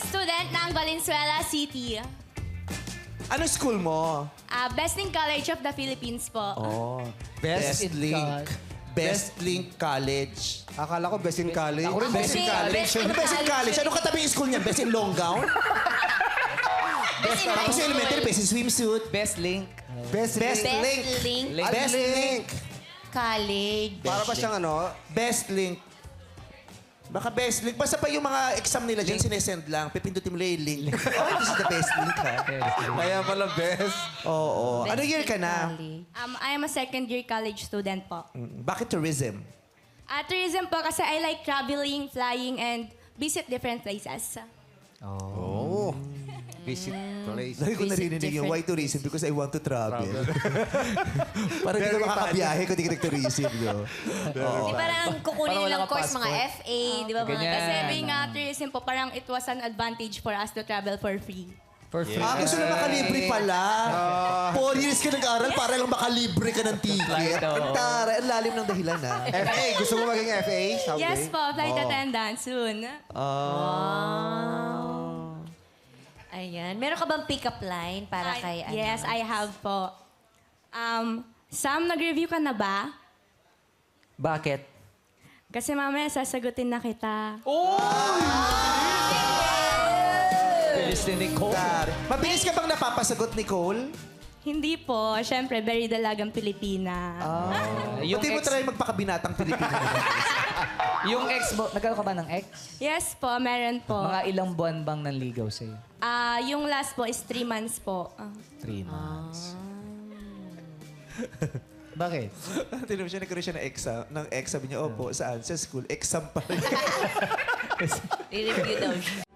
student ng Valenzuela City. Ano school mo? Besting College of the Philippines po. Oh, Best Best in Link. College. Best Link College. Akala ko best in college. Ako rin best in college. Best in Best in college. Ano katabi yung school niyan? Best in long gown? Tapos yung elementary, best in swimsuit. Best link. Best Best link. Link. Link Best Link. College. Para ba siyang ano? Best Link. Baka best link. Basta pa yung mga exam nila dyan, sinesend lang. Pipindutin mo lang yung link. Oh, this is the best link, ha? Kaya pala best. Oo. Ano year ka na? I am a second year college student po. Bakit tourism? Tourism po kasi I like traveling, flying, and visit different places. Oh. Visit place. Lagi ko narinig yung why tourism because I want to travel. Parang hindi ka makakabiyahe kung di ka nag-tourism. No? Di parang kukunin Parang nilang walang course, mga passport. FA, di ba? Mga Ganyan. Kasi being tourism po, parang it was an advantage for us to travel for free. For free. Gusto na makalibre pala. 4 years ka nag-aral para lang makalibre ka ng ticket. Flight, oo. Ang taray, ang lalim ng dahilan, ha? FA. Gusto mo maging FA? Someday? Yes po, flight attendant soon. Ayan. Meron ka bang pick-up line para kay ano? Yes, I have po. Sam, nag-review ka na ba? Bakit? Kasi mamaya sasagutin na kita. Bilis ni Nicole. Mabilis ka bang napapasagot, Nicole? Hindi po. Siyempre, very dalagang Pilipina. Yung Pati mo ex, try magpakabinatang Pilipino. yung ex mo, nagkaroon ka ba ng ex? Yes po, meron po. Mga ilang buwan bang nanligaw sa'yo? Yung last po is 3 months po. 3 months. Bakit? Tinanong siya, nagkaroon siya ng ex. Sabi niya, opo, saan? Sa school. Exam pa rin. I-review daw siya.